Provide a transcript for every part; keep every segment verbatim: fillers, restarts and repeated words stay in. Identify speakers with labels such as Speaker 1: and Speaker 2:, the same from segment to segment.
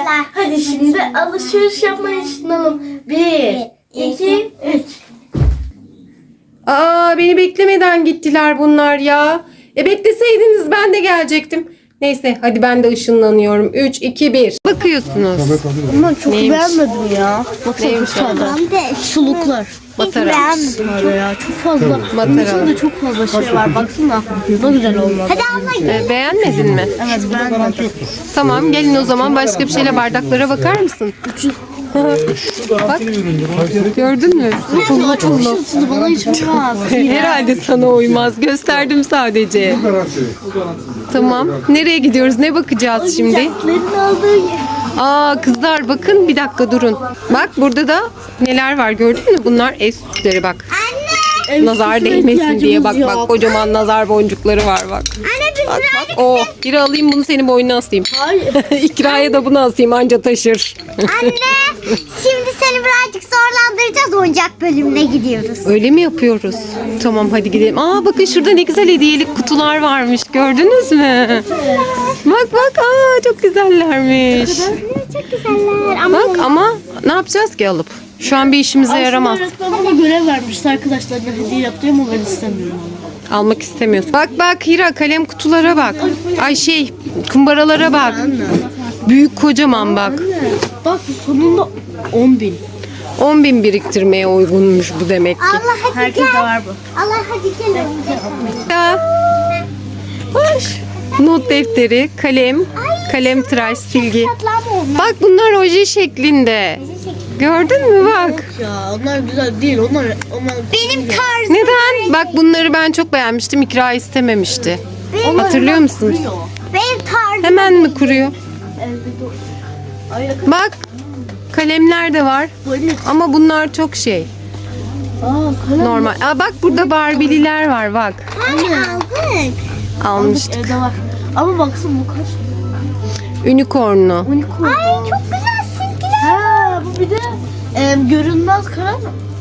Speaker 1: Hadi şimdi alışveriş yapmayı düşünelim. Bir, iki, üç.
Speaker 2: Aa, beni beklemeden gittiler bunlar ya. E bekleseydiniz ben de gelecektim. Neyse hadi ben de ışınlanıyorum. üç, iki, bir. Bakıyorsunuz.
Speaker 1: Ama çok
Speaker 2: Neymiş?
Speaker 1: beğenmedim ya. Baksana
Speaker 2: Neymiş
Speaker 1: bu kadar. Suluklar.
Speaker 2: Matara.
Speaker 1: Böyle ya çok fazla.
Speaker 2: Matara.
Speaker 1: Bunun içinde çok fazla şey var. Baksana. Ne güzel olmadı. Hadi abla.
Speaker 2: E, beğenmedin mi?
Speaker 1: Evet beğenmedim.
Speaker 2: Tamam gelin o zaman başka bir şeyle bardaklara bakar mısın? Bak gördün mü? Pullu pullu.
Speaker 1: Siz bana hiç olmaz.
Speaker 2: Herhalde sana uymaz. Gösterdim sadece. Tamam. Nereye gidiyoruz? Ne bakacağız şimdi?
Speaker 1: Oyuncakların olduğu yer.
Speaker 2: Aa kızlar bakın bir dakika durun. Bak burada da neler var gördün mü? Bunlar ev süsleri bak.
Speaker 1: Ev
Speaker 2: Nazar
Speaker 1: süsüne
Speaker 2: değmesin diye bak
Speaker 1: ihtiyacımız
Speaker 2: bak
Speaker 1: yok.
Speaker 2: kocaman nazar boncukları var bak.
Speaker 3: Anne biz
Speaker 2: Bak bak. Oh biri alayım bunu senin boynuna asayım.
Speaker 1: Hayır.
Speaker 2: İkraya da bunu asayım anca taşır.
Speaker 3: Anne şimdi seni birazcık zorlandıracağız, oyuncak bölümüne gidiyoruz.
Speaker 2: Öyle mi yapıyoruz? Tamam hadi gidelim. Aa bakın şurada ne güzel hediyelik kutular varmış. Gördünüz mü? Bak bak aa çok güzellermiş.
Speaker 3: Çok güzeller ama
Speaker 2: Bak ama ne yapacağız ki alıp? Şu an bir işimize yaramaz.
Speaker 1: Aslında öğretmen bana görev vermişti arkadaşlarına hediye yaptım ama ben istemiyorum.
Speaker 2: Almak istemiyorsun. Bak bak Hira kalem kutulara bak. Ay şey kumbaralara bak. Büyük kocaman bak.
Speaker 1: Bak sonunda on bin.
Speaker 2: on bin biriktirmeye uygunmuş bu demek ki.
Speaker 3: Allah hadi
Speaker 1: Herkes de
Speaker 3: gel.
Speaker 1: var bu.
Speaker 3: Allah hadi gel oyuncak.
Speaker 2: Ya. Hoş. Not defteri, kalem, kalem tıraş, silgi.
Speaker 3: Patlamı olmaz.
Speaker 2: Bak bunlar oje şeklinde. Gördün mü bak.
Speaker 1: Ya onlar güzel değil. Onlar onlar
Speaker 3: Benim tarzım.
Speaker 2: Neden? Bak bunları ben çok beğenmiştim. İkra istememişti.
Speaker 3: Benim,
Speaker 2: Hatırlıyor musunuz?
Speaker 3: benim tarzım.
Speaker 2: Hemen mi kuruyor?
Speaker 1: Ay,
Speaker 2: Bak kalemler de var.
Speaker 1: böyle.
Speaker 2: Ama bunlar çok şey.
Speaker 1: Aa, kalem.
Speaker 2: Normal. Aa, bak burada Barbie'liler var bak.
Speaker 3: Hani aldık.
Speaker 2: Almıştık.
Speaker 1: Evde var. Ama baksana bu kaç?
Speaker 2: Unicorn'lu.
Speaker 1: Unicorn.
Speaker 3: Ay çok güzel silgiler.
Speaker 1: Ha bu bir de e, görünmez kalem.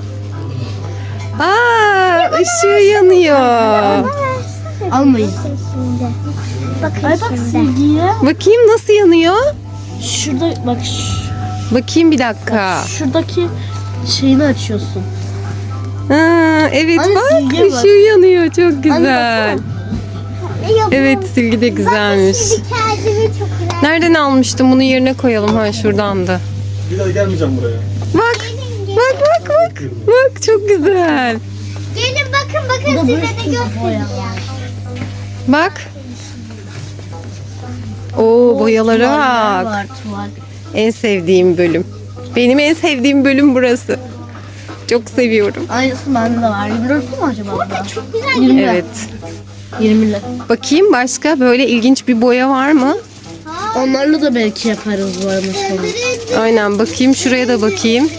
Speaker 2: Aa, ışığı yanıyor.
Speaker 1: Almayın.
Speaker 3: Bakın
Speaker 1: Ay bak
Speaker 3: şimdi.
Speaker 1: silgiye.
Speaker 2: Bakayım nasıl yanıyor?
Speaker 1: Şurada bak ş-
Speaker 2: Bakayım bir dakika.
Speaker 1: şuradaki şeyini açıyorsun.
Speaker 2: Ha, evet
Speaker 1: Anne,
Speaker 2: bak
Speaker 1: silgiye bak.
Speaker 2: ışığı yanıyor çok güzel.
Speaker 1: baksana.
Speaker 2: Evet silgi de güzelmiş.
Speaker 3: Şimdi kendimi çok güzel.
Speaker 2: Nereden almıştım bunu yerine koyalım ha şuradandı.
Speaker 4: Bir daha gelmeyeceğim buraya.
Speaker 2: Bak bak bak bak. Bak çok güzel.
Speaker 3: Gelin bakın bakın
Speaker 1: Bu da
Speaker 3: size
Speaker 1: böyle
Speaker 3: de
Speaker 1: sürpriz
Speaker 3: göstereceğim.
Speaker 1: boya.
Speaker 2: Bak. Oo boyalara
Speaker 1: Tuvaller
Speaker 2: bak.
Speaker 1: var, tuval.
Speaker 2: En sevdiğim bölüm. Benim en sevdiğim bölüm burası. Çok seviyorum.
Speaker 1: Aynısı bende de var. yirmi dört mu acaba? Burada
Speaker 3: Çok güzel.
Speaker 1: yirmi.
Speaker 2: Evet.
Speaker 1: yirmi lira.
Speaker 2: Bakayım başka böyle ilginç bir boya var mı?
Speaker 1: Onlarla da belki yaparız bu arada sonra.
Speaker 2: Aynen bakayım şuraya da bakayım.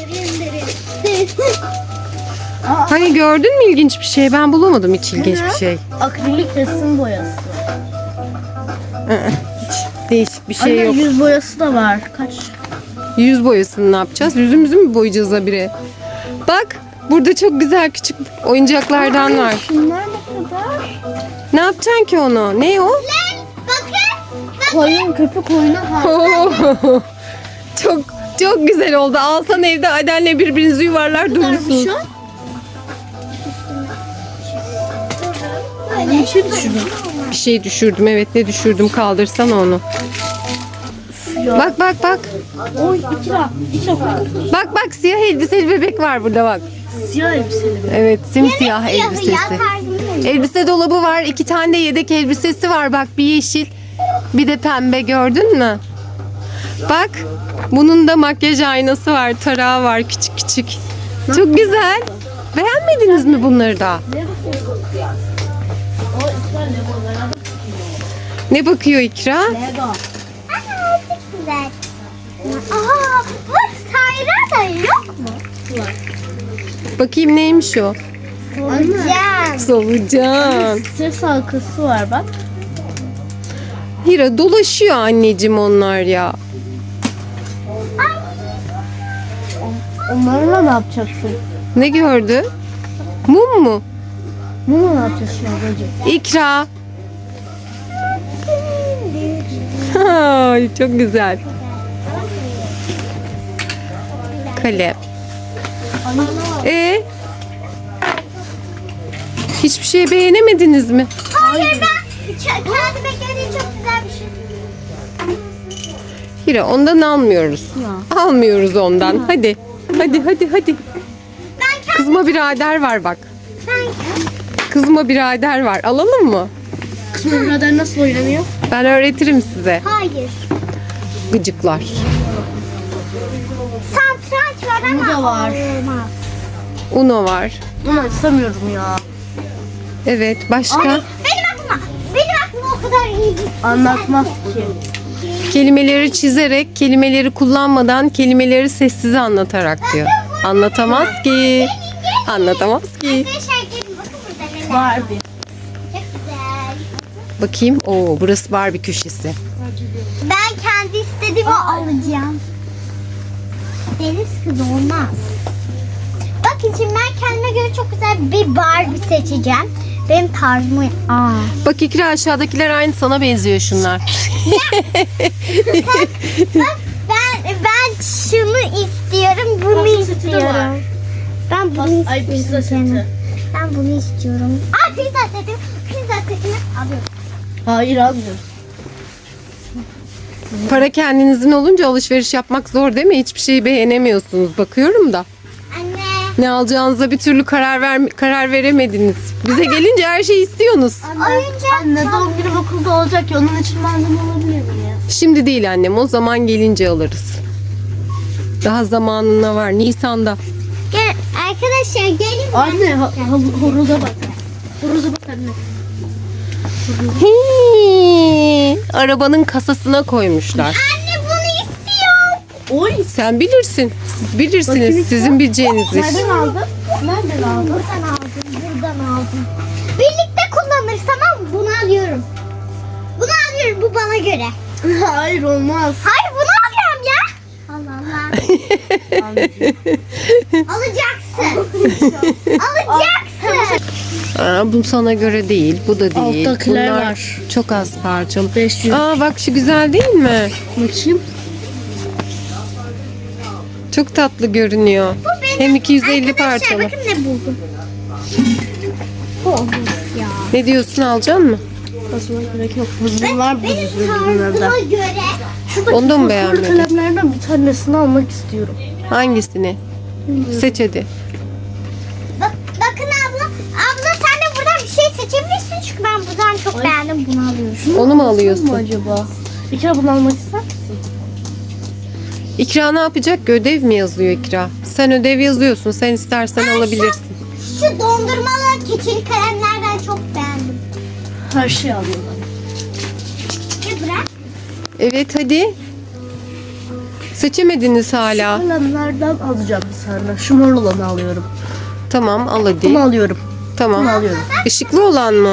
Speaker 2: Hani gördün mü ilginç bir şey? Ben bulamadım hiç ilginç bir şey.
Speaker 1: Akrilik resim boyası.
Speaker 2: Değişik bir şey
Speaker 1: Anne
Speaker 2: yok.
Speaker 1: yüz boyası da var. Kaç?
Speaker 2: Yüz boyasını ne yapacağız? Yüzümüzü mü boyayacağız habire? Bak burada çok güzel küçük oyuncaklardan var.
Speaker 1: Şunlar ne kadar?
Speaker 2: Ne yapacaksın ki onu? Ne o?
Speaker 1: Koyun, köpek oyunu var.
Speaker 2: Oo, çok çok güzel oldu. Alsan evde Aden'le birbirinizi yuvarlar durursunuz.
Speaker 1: Şu an? Bir şey düşürdüm.
Speaker 2: Bir şey düşürdüm. Evet ne düşürdüm? Kaldırsana onu.
Speaker 1: Ya.
Speaker 2: Bak bak bak.
Speaker 1: Oy iki lira. iki lira.
Speaker 2: Bak bak siyah elbiseli bebek var burada bak.
Speaker 1: Siyah elbiseli bir.
Speaker 2: Evet simsiyah
Speaker 3: Siyahı ya
Speaker 2: elbisesi.
Speaker 3: tarzım.
Speaker 2: Elbise dolabı var. İki tane de yedek elbisesi var. Bak bir yeşil bir de pembe gördün mü? Bak bunun da makyaj aynası var. Tarağı var küçük küçük. Çok güzel. Beğenmediniz mi bunları da?
Speaker 1: O iki tane Lego'lara.
Speaker 2: Ne bakıyor İkra?
Speaker 1: Lego.
Speaker 3: Aa çok güzel. Aha bak Sayra da yok mu?
Speaker 2: Bakayım neymiş o?
Speaker 3: Can.
Speaker 2: Solucan.
Speaker 1: Ses halkası var bak.
Speaker 2: Hira dolaşıyor anneciğim onlar ya.
Speaker 1: Onlarla ne yapacaksın?
Speaker 2: Ne gördü? Mum mu?
Speaker 1: Bunu ne yapacaksın ablacığım?
Speaker 2: İkra. Ay, çok güzel. Kalem. E hiçbir şey beğenemediniz mi?
Speaker 3: Hayır ben ç- kendi beklediğim çok güzel bir şey.
Speaker 2: Hira ondan almıyoruz. Almıyoruz ondan. Hadi. Hadi hadi hadi.
Speaker 3: Ben kendi
Speaker 2: Kızma birader var bak.
Speaker 3: ben
Speaker 2: Kızma birader var. Alalım mı?
Speaker 1: Kısmı birader nasıl oynanıyor?
Speaker 2: Ben öğretirim size.
Speaker 3: hayır.
Speaker 2: Gıcıklar.
Speaker 3: Satranç var ama
Speaker 1: Bu da var.
Speaker 3: olmaz.
Speaker 2: Uno var.
Speaker 1: Bunu istemiyorum ya.
Speaker 2: Evet. Başka?
Speaker 3: Benim aklıma, benim aklıma o kadar iyi bir
Speaker 1: Anlatmaz ki.
Speaker 2: Kelimeleri çizerek, kelimeleri kullanmadan, kelimeleri sessize anlatarak diyor. Anlatamaz ki. Anlatamaz ki.
Speaker 3: Arkadaşlar gelin bakın burada neler.
Speaker 1: Barbie.
Speaker 3: Çok güzel.
Speaker 2: Bakayım. Oo, burası Barbie köşesi.
Speaker 3: Ben kendi istediğimi alacağım. Deniz kızı olmaz. Bakın şimdi ben kendime göre çok güzel bir Barbie seçeceğim. Benim tarzımı... Aa.
Speaker 2: Bak İkra aşağıdakiler aynı sana benziyor şunlar.
Speaker 3: Bak ben ben şunu istiyorum, bunu
Speaker 1: Pasta seti de
Speaker 3: istiyorum.
Speaker 1: var.
Speaker 3: Ben bunu
Speaker 1: Ay
Speaker 3: istiyorum.
Speaker 1: pizza
Speaker 3: canım.
Speaker 1: seti.
Speaker 3: Ben bunu istiyorum. Aa pizza seti. Pizza setini alıyorum.
Speaker 1: Hayır almıyorum.
Speaker 2: Para kendinizin olunca alışveriş yapmak zor değil mi? Hiçbir şeyi beğenemiyorsunuz. Bakıyorum da.
Speaker 3: Anne.
Speaker 2: Ne alacağınıza bir türlü karar ver karar veremediniz. Bize gelince her şeyi istiyorsunuz.
Speaker 3: Oyuncak.
Speaker 1: Anne doğum günü okulda olacak ya onun için malzeme alabilir miyim ya?
Speaker 2: Şimdi değil annem. O zaman gelince alırız. Daha zamanına var. Nisan'da.
Speaker 3: Gel arkadaşlar gelin.
Speaker 1: Anne ha- ha- horoza bak. Horoza bak anne.
Speaker 2: Hii, arabanın kasasına koymuşlar.
Speaker 3: Anne bunu istiyorum.
Speaker 1: Oy.
Speaker 2: Sen bilirsin. Siz bilirsiniz.
Speaker 1: Bakayım.
Speaker 2: Sizin bileceğiniz iş.
Speaker 1: Nereden aldın? Nereden aldın?
Speaker 3: Buradan aldım. Buradan aldım. Birlikte kullanırız tamam mı? Bunu alıyorum. Bunu alıyorum. Bu bana göre.
Speaker 1: Hayır olmaz.
Speaker 3: Hayır bunu alıyorum ya. Allah Allah. Alacaksın. Alacaksın.
Speaker 2: Aa, bu sana göre değil. Bu da değil.
Speaker 1: Alttakiler
Speaker 2: Bunlar
Speaker 1: var.
Speaker 2: çok az parçalı.
Speaker 1: beş yüz.
Speaker 2: Aa bak şu güzel değil mi?
Speaker 1: Bakayım.
Speaker 2: Çok tatlı görünüyor.
Speaker 3: Bu benim.
Speaker 2: Hem iki yüz elli
Speaker 3: Arkadaşlar
Speaker 2: parçalı.
Speaker 3: bakın ne buldum. Bu olmuş ya.
Speaker 2: Ne diyorsun, alacaksın mı?
Speaker 1: Basmaya gerek yok. Hızlı var bu
Speaker 3: Benim
Speaker 1: ürünlerde.
Speaker 3: tarzıma göre.
Speaker 1: Şuradaki
Speaker 2: Onu da mı
Speaker 1: fosfor
Speaker 2: beğenmedin?
Speaker 1: kalemlerden bir tanesini almak istiyorum.
Speaker 2: Hangisini? Seç hadi.
Speaker 3: Bak, bakın abla. Abla sen de buradan bir şey seçebilirsin. Çünkü ben buradan çok
Speaker 1: Ay.
Speaker 3: beğendim. Bunu alıyorum.
Speaker 2: Onu mu
Speaker 1: Mu
Speaker 2: alıyorsun?
Speaker 1: acaba? Bir kere bunu almak ister misin?
Speaker 2: İkra ne yapacak? Ödev mi yazıyor İkra? Sen ödev yazıyorsun. Sen istersen alabilirsin.
Speaker 3: Şu dondurmalı keçeli kalemlerden çok beğendim.
Speaker 1: Her şeyi alıyorum.
Speaker 3: Ya bırak.
Speaker 2: Evet hadi. Seçemediniz hala.
Speaker 1: Kalemlerden alacağım bir tane. Şu mor olanı alıyorum.
Speaker 2: Tamam al hadi.
Speaker 1: Bunu alıyorum.
Speaker 2: Tamam.
Speaker 1: Bunu alıyorum.
Speaker 2: Işıklı olan mı?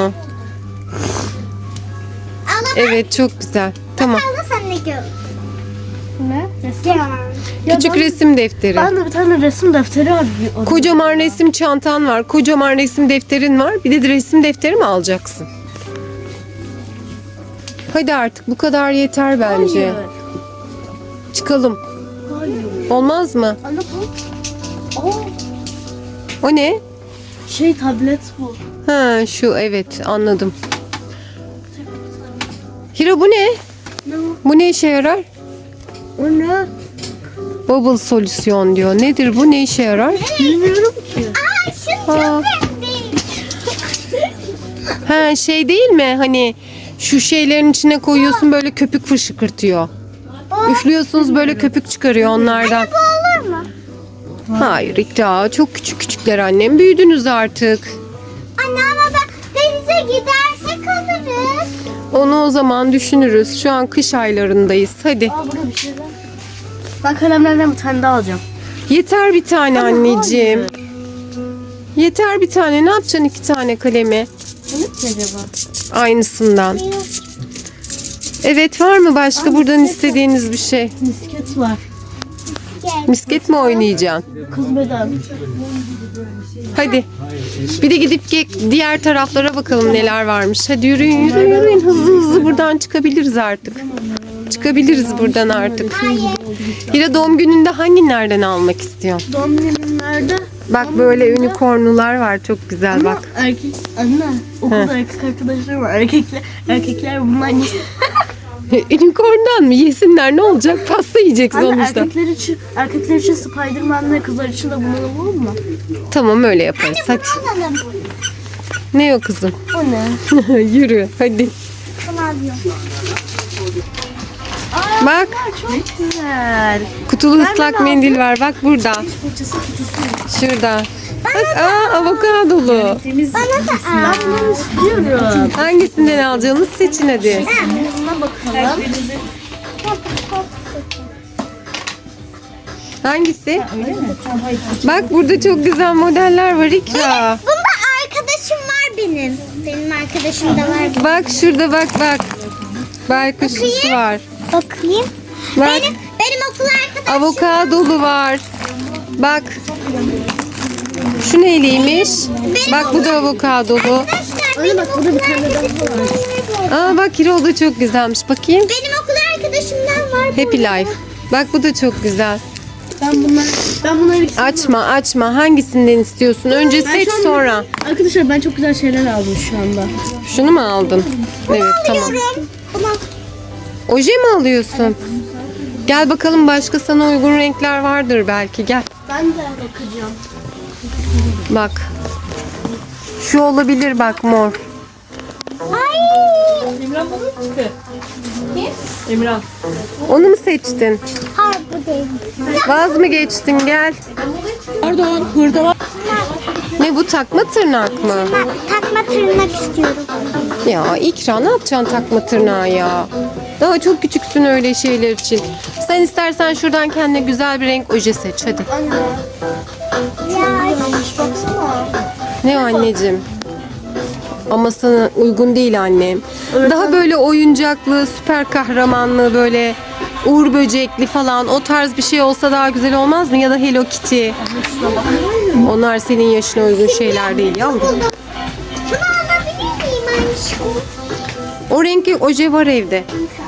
Speaker 3: Abla bak.
Speaker 2: Evet çok güzel. Tamam.
Speaker 3: Abla sen ne gör?
Speaker 1: Ne?
Speaker 3: Ya.
Speaker 2: Küçük
Speaker 1: ben,
Speaker 2: resim defteri.
Speaker 1: Ben de bir tane resim defteri var.
Speaker 2: Kocaman resim çantan var. Kocaman resim defterin var. Bir de resim defteri mi alacaksın? Hadi artık bu kadar yeter bence.
Speaker 1: Hayır.
Speaker 2: Çıkalım.
Speaker 1: Hayır.
Speaker 2: Olmaz mı?
Speaker 1: Anne bu. Aa,
Speaker 2: O ne?
Speaker 1: şey tablet bu.
Speaker 2: Ha şu evet anladım. Hira bu ne?
Speaker 1: Ne o?
Speaker 2: Bu ne işe yarar?
Speaker 1: O ne?
Speaker 2: Bubble solüsyon diyor. Nedir bu? Ne işe yarar?
Speaker 1: Bilmiyorum ki.
Speaker 3: Aa şunu
Speaker 2: Aa.
Speaker 3: çok beğendim.
Speaker 2: Ha şey değil mi? Hani şu şeylerin içine koyuyorsun böyle köpük fışkırtıyor. Üflüyorsunuz böyle köpük çıkarıyor onlardan.
Speaker 3: Bu olur mu?
Speaker 2: Hayır İkra çok küçük küçükler annem. Büyüdünüz artık.
Speaker 3: Anne ama ben denize gidersek alırız.
Speaker 2: Onu o zaman düşünürüz. Şu an kış aylarındayız. Hadi.
Speaker 1: Aa burada bir şeyler. Ben kalemlerden bir tane daha alacağım.
Speaker 2: Yeter bir tane anneciğim.
Speaker 1: Hayır.
Speaker 2: Yeter bir tane. Ne yapacaksın iki tane kalemi?
Speaker 1: Bu ne ki acaba?
Speaker 2: Aynısından. Evet var mı başka buradan istediğiniz bir şey?
Speaker 1: Misket var.
Speaker 3: Gel.
Speaker 2: Misket mi oynayacaksın?
Speaker 1: Kız beden.
Speaker 2: Hadi. Bir de gidip ge- diğer taraflara bakalım neler varmış. Hadi yürüyün yürüyün yürüyün. Hızlı hızlı buradan çıkabiliriz artık. Çıkabiliriz buradan artık.
Speaker 3: Hayır.
Speaker 2: Hira doğum gününde hangilerden almak istiyorsun?
Speaker 1: Doğum günümlerde
Speaker 2: Bak böyle unicornlular var. Çok güzel bak.
Speaker 1: erkek anne okulda erkek arkadaşlarım var. Erkekler erkekler bundan
Speaker 2: Unicorn'dan mı? Yesinler ne olacak? Pasta yiyecek
Speaker 1: Anne
Speaker 2: sonuçta.
Speaker 1: erkekler için erkekler için Spiderman ve kızlar için de bundan olur mu?
Speaker 2: Tamam öyle yaparız. Hadi.
Speaker 3: Alalım.
Speaker 2: Ne o kızım?
Speaker 1: O ne?
Speaker 2: Yürü hadi.
Speaker 3: Bunu alıyorum.
Speaker 2: Bak
Speaker 1: Çok güzel.
Speaker 2: kutulu ıslak mendil var. Bak burada.
Speaker 1: Fırçası kutusu.
Speaker 2: Şurada. Bak aa avokadolu.
Speaker 1: Temiz.
Speaker 3: Bana da al.
Speaker 1: Ben bunu istiyorum.
Speaker 2: Hangisinden alacağınız seçin hadi.
Speaker 1: Buna bakalım.
Speaker 2: Hangisi? Bak burada çok güzel modeller var İkra.
Speaker 3: Bunda arkadaşım var benim. Benim arkadaşım da var.
Speaker 2: Bak şurada bak bak. Baykuşlusu var.
Speaker 3: Bakayım.
Speaker 2: Bak
Speaker 3: Benim, benim okul arkadaşım.
Speaker 2: avokadolu var. Bak. Şu neyliymiş? Bak bu da avokadolu.
Speaker 3: Arkadaşlar benim
Speaker 1: bak,
Speaker 3: okul
Speaker 1: burada bir tane daha
Speaker 3: arkadaşımdan var.
Speaker 2: Aa bak Hira o da çok güzelmiş. Bakayım.
Speaker 3: Benim okul arkadaşımdan var. bu.
Speaker 2: Happy Life. Bak bu da çok güzel.
Speaker 1: Ben bunları ben bunları ikisini-
Speaker 2: Açma açma. Hangisinden istiyorsun? Önce
Speaker 1: Ben
Speaker 2: seç
Speaker 1: şu anda-
Speaker 2: sonra.
Speaker 1: Arkadaşlar ben çok güzel şeyler aldım şu anda.
Speaker 2: Şunu mu aldın? Evet tamam.
Speaker 3: Alıyorum. Bunu
Speaker 2: Oje mi alıyorsun? Gel bakalım başka sana uygun renkler vardır belki. Gel.
Speaker 1: Ben de bakacağım.
Speaker 2: Bak. Şu olabilir bak mor.
Speaker 3: Ay.
Speaker 1: Emrah bana mı çıktı? Kim? Emrah.
Speaker 2: Onu mu seçtin?
Speaker 3: Hayır bu değil.
Speaker 2: Vaz mı geçtin gel.
Speaker 1: Pardon, hırda var.
Speaker 2: Ne bu takma tırnak mı?
Speaker 3: Ben takma tırnak istiyorum.
Speaker 2: Ya İkra ne yapacaksın takma tırnağı ya? Daha çok küçüksün öyle şeyler için. Sen istersen şuradan kendine güzel bir renk oje seç hadi.
Speaker 1: Anne.
Speaker 3: Ya.
Speaker 1: Baksana.
Speaker 2: Ne o anneciğim? Ama sana uygun değil annem.
Speaker 1: Evet,
Speaker 2: Daha böyle oyuncaklı, süper kahramanlı böyle uğur böcekli falan o tarz bir şey olsa daha güzel olmaz mı? Ya da Hello Kitty. Onlar senin yaşına uygun şeyler değil yavrum.
Speaker 3: Bunu alabilir miyim aşkım?
Speaker 2: O renkli oje var evde.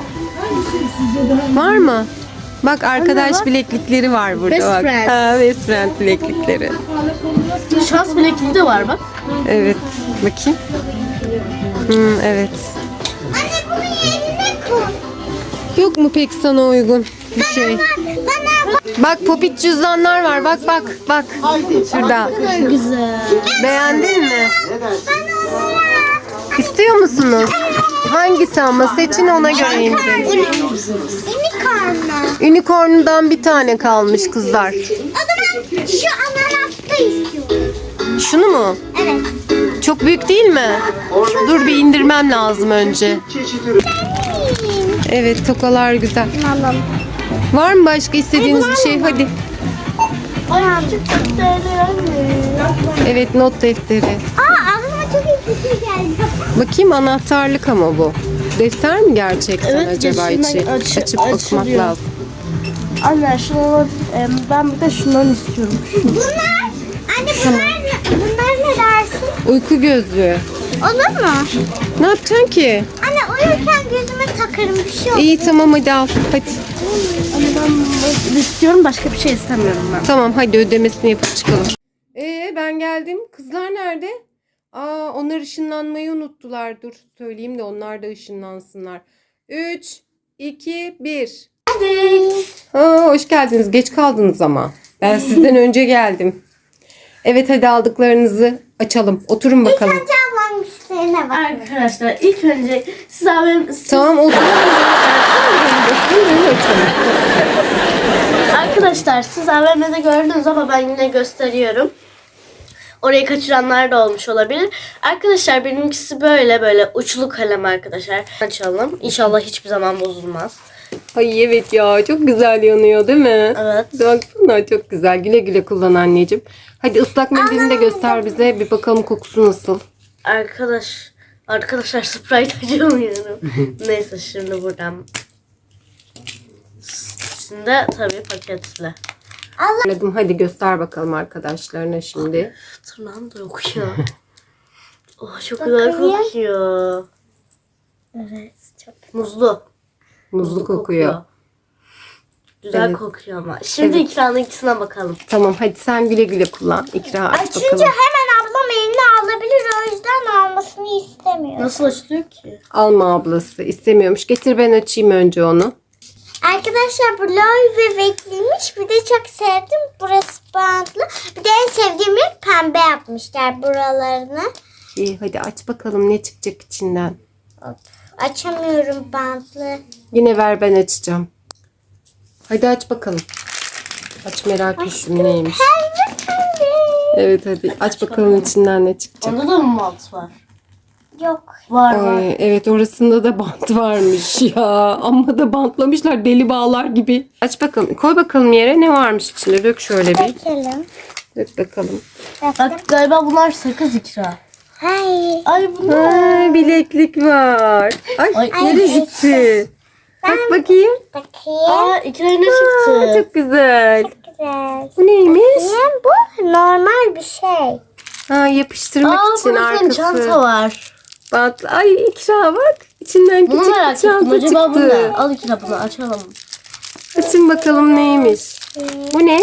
Speaker 2: Var mı? Bak arkadaş
Speaker 1: bak.
Speaker 2: bileklikleri var burada
Speaker 1: Best
Speaker 2: bak.
Speaker 1: friend.
Speaker 2: Ha, best friend bileklikleri.
Speaker 1: Şans bilekliği de var bak.
Speaker 2: Evet. Bakayım. Hmm, evet.
Speaker 3: Anne bunu yerine koy.
Speaker 2: Yok mu pek sana uygun bir şey?
Speaker 3: Bana bak.
Speaker 2: Bak popit cüzdanlar var. Bak bak bak. Şurada.
Speaker 1: Güzel.
Speaker 2: Beğendin mi?
Speaker 3: Bana onu ya.
Speaker 2: İstiyor musunuz? Hangisi ama seçin ona göre indirin.
Speaker 3: Unicorn.
Speaker 2: Unicorn'dan bir tane kalmış kızlar.
Speaker 3: O zaman şu ananasta istiyorum.
Speaker 2: Şunu mu?
Speaker 3: Evet.
Speaker 2: Çok büyük değil mi? Dur bir indirmem lazım önce. Evet tokalar güzel.
Speaker 3: Alalım.
Speaker 2: Var mı başka istediğiniz bir şey? Hadi.
Speaker 3: Ay çok
Speaker 2: Evet not defteri.
Speaker 3: Aa aklıma çok iyi fikir geldi.
Speaker 2: Bakayım anahtarlık ama bu. Defter mi gerçekten
Speaker 1: Evet,
Speaker 2: acaba
Speaker 1: geçinden
Speaker 2: içi?
Speaker 1: aç-
Speaker 2: Açıp bakmak
Speaker 1: açılıyor.
Speaker 2: lazım.
Speaker 1: Anne şunu ben bir de şundan istiyorum.
Speaker 3: Bunlar, anne bunlar, ne- bunlar ne dersin?
Speaker 2: Uyku gözlüğü.
Speaker 3: Olur mu?
Speaker 2: Ne yapacaksın ki?
Speaker 3: Anne uyurken gözüme takarım bir şey olur.
Speaker 2: İyi tamam hadi al. Hadi.
Speaker 1: Anne ben bunu istiyorum başka bir şey istemiyorum ben.
Speaker 2: Tamam hadi ödemesini yapıp çıkalım. Ee ben geldim. Kızlar nerede? Aa onlar ışınlanmayı unuttular. Dur söyleyeyim de onlar da ışınlansınlar. üç, iki, bir. Aa, hoş geldiniz. Geç kaldınız ama. Ben sizden önce geldim. Evet hadi aldıklarınızı açalım. Oturun bakalım.
Speaker 3: Önce ablamın üstlerine bak.
Speaker 1: Arkadaşlar ilk önce siz abim siz-
Speaker 2: Tamam oturun.
Speaker 1: arkadaşlar siz A V M'de gördünüz ama ben yine gösteriyorum. Orayı kaçıranlar da olmuş olabilir. Arkadaşlar benimkisi böyle böyle uçlu kalem arkadaşlar. Açalım. İnşallah hiçbir zaman bozulmaz.
Speaker 2: Ay evet ya çok güzel yanıyor değil mi?
Speaker 1: Evet.
Speaker 2: Baksana çok güzel. Güle güle kullan anneciğim. Hadi ıslak mendilini de göster bize. Bir bakalım kokusu nasıl.
Speaker 1: Arkadaş arkadaşlar Sprite açamıyorum. Neyse şimdi buradan. Şimdi tabii paketli.
Speaker 2: Anladım. Hadi göster bakalım arkadaşlarına şimdi.
Speaker 1: Tırnağım da yok ya. Oh çok güzel
Speaker 3: Bakayım.
Speaker 1: kokuyor.
Speaker 3: Evet çok.
Speaker 1: Muzlu.
Speaker 2: Muzlu kokuyor.
Speaker 1: Güzel
Speaker 2: Evet.
Speaker 1: kokuyor ama. Şimdi
Speaker 2: Evet.
Speaker 1: İkra'nın ikisine bakalım.
Speaker 2: Tamam hadi sen güle güle kullan. İkra aç
Speaker 3: Açınca
Speaker 2: bakalım.
Speaker 3: hemen ablam eline alabilir. O yüzden almasını istemiyorum.
Speaker 1: Nasıl açılıyor ki?
Speaker 2: Alma ablası. İstemiyormuş. Getir ben açayım önce onu.
Speaker 3: Arkadaşlar bu lol bebekliymiş. Bir de çok sevdim. Burası bantlı. Bir de en sevdiğim renk pembe yapmışlar buralarını.
Speaker 2: İyi hadi aç bakalım ne çıkacak içinden.
Speaker 3: Hop. Açamıyorum bantlı.
Speaker 2: Yine ver ben açacağım. Hadi aç bakalım. Aç merak ettim neymiş.
Speaker 3: Pembe pembe.
Speaker 2: Evet hadi aç bakalım içinden ne çıkacak.
Speaker 1: Onda da mı malt var?
Speaker 3: Yok.
Speaker 1: Var var.
Speaker 2: Ay, evet orasında da bant varmış ya. Amma da bantlamışlar deli bağlar gibi. Aç bakalım. Koy bakalım yere ne varmış içinde. Dök şöyle bir.
Speaker 3: Bakalım.
Speaker 2: Dök bakalım.
Speaker 3: Baktım.
Speaker 1: Bak galiba bunlar sakız İkra.
Speaker 3: Hayır.
Speaker 1: Ay bunlar.
Speaker 2: Ay, bileklik var. Ay,
Speaker 1: Ay,
Speaker 2: nereye
Speaker 3: ay,
Speaker 2: gitti? Tak bakayım.
Speaker 3: Bakayım.
Speaker 1: Aa İkra'ya ne
Speaker 2: Aa,
Speaker 1: çıktı?
Speaker 2: çok güzel.
Speaker 3: Güzel.
Speaker 2: Bu neymiş?
Speaker 3: Bakayım, bu normal bir şey.
Speaker 2: Ha, yapıştırmak
Speaker 1: Aa
Speaker 2: için
Speaker 1: burada senin
Speaker 2: arkası.
Speaker 1: çanta var.
Speaker 2: Bantlı. Ay İkra bak. İçinden
Speaker 1: Bunu
Speaker 2: küçük bir
Speaker 1: merak ettim.
Speaker 2: çanta
Speaker 1: Acaba bu ne?
Speaker 2: çıktı.
Speaker 1: Al İkra bunu açalım.
Speaker 2: Açın bakalım neymiş. Bu ne?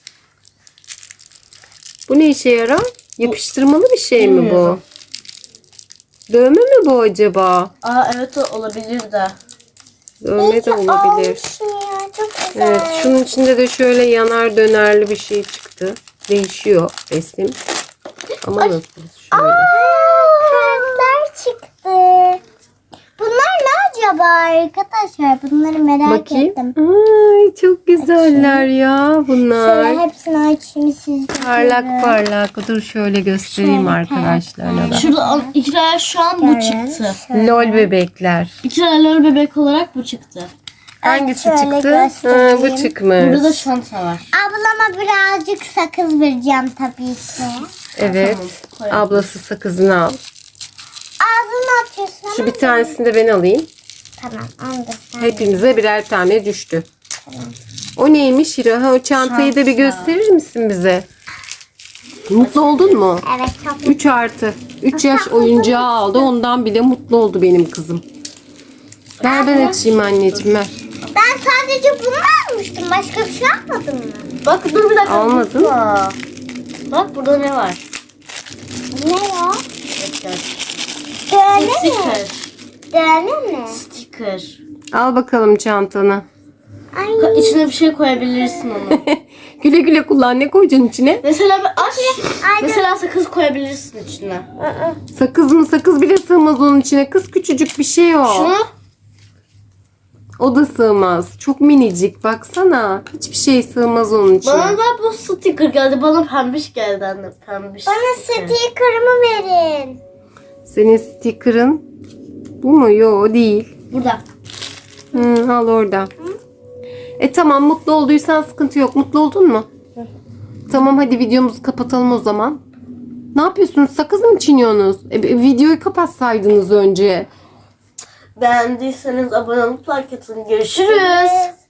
Speaker 2: Bu ne işe yarar? Yapıştırmalı bir şey mi bu?
Speaker 1: Bilmiyorum.
Speaker 2: Dövme mi bu acaba?
Speaker 1: Aa evet o olabilir de.
Speaker 2: Dövme de olabilir.
Speaker 3: Almışım ya, çok güzel.
Speaker 2: Evet, şunun içinde de şöyle yanar dönerli bir şey çıktı. Değişiyor resim. Ama nasıl? Şöyle.
Speaker 3: Aa, kartlar çıktı. Bunlar ne acaba arkadaşlar? Bunları merak
Speaker 2: Bakayım.
Speaker 3: ettim.
Speaker 2: Ay çok güzeller ya bunlar.
Speaker 3: Şöyle hepsini açayım sizce.
Speaker 2: Parlak parlak. Dur şöyle göstereyim
Speaker 3: Şöyle
Speaker 2: arkadaşlarına da.
Speaker 1: Şurada İkra'ya şu an bu çıktı.
Speaker 2: Lol bebekler.
Speaker 1: İkra lol bebek olarak bu çıktı.
Speaker 2: Hangisi
Speaker 3: şöyle
Speaker 2: çıktı?
Speaker 3: göstereyim.
Speaker 2: Ha, bu çıkmış.
Speaker 1: Burada da çanta var.
Speaker 3: Ablama birazcık sakız vereceğim tabii ki.
Speaker 2: Evet.
Speaker 1: Tamam, koyalım.
Speaker 2: Ablası sakızını al.
Speaker 3: Ağzını atıyorsun ama.
Speaker 2: Şu bir tanesini de ben alayım.
Speaker 3: Tamam onu da sen.
Speaker 2: Hepimize birer tane düştü. O neymiş Hira? Ha, o çantayı da bir
Speaker 1: Çanta.
Speaker 2: gösterir misin bize? Mutlu oldun mu?
Speaker 3: Evet çok
Speaker 2: üç artı. üç yaş oyuncağı aldı. Ondan bile mutlu oldu benim kızım. Ver ben açayım anneciğim ver.
Speaker 3: Ben sadece bunu almıştım. Başka bir şey almadım mı?
Speaker 1: Bak dur bir dakika.
Speaker 2: Almadın.
Speaker 1: tutma. Bak burada ne var?
Speaker 3: Ne ya?
Speaker 1: Bekle.
Speaker 3: Dövme mi?
Speaker 1: Sticker.
Speaker 3: Dövme mi?
Speaker 1: Sticker.
Speaker 2: Al bakalım çantanı.
Speaker 3: Ay.
Speaker 1: Ka- İçine bir şey koyabilirsin onu.
Speaker 2: Güle güle kullan. Ne koyacaksın içine?
Speaker 1: Mesela bir aç.
Speaker 3: Ay,
Speaker 1: Mesela sakız koyabilirsin içine.
Speaker 3: ı-ı.
Speaker 2: Sakız mı? Sakız bile sığmaz onun içine. Kız küçücük bir şey o.
Speaker 1: Şunu
Speaker 2: O da sığmaz. Çok minicik. Baksana. Hiçbir şey sığmaz onun içine.
Speaker 1: bana da bu sticker geldi. Bana pembiş geldi anne. Pembiş
Speaker 3: Bana
Speaker 1: sticker.
Speaker 3: sticker'ımı verin.
Speaker 2: Senin sticker'ın bu mu? Yo o değil.
Speaker 1: Burada.
Speaker 2: Hı, al orada. E tamam mutlu olduysan sıkıntı yok. Mutlu oldun mu? Tamam hadi videomuzu kapatalım o zaman. Ne yapıyorsunuz? Sakız mı çiğniyorsunuz? E, e, videoyu kapatsaydınız önce.
Speaker 1: Beğendiyseniz abone olup like atın. Görüşürüz.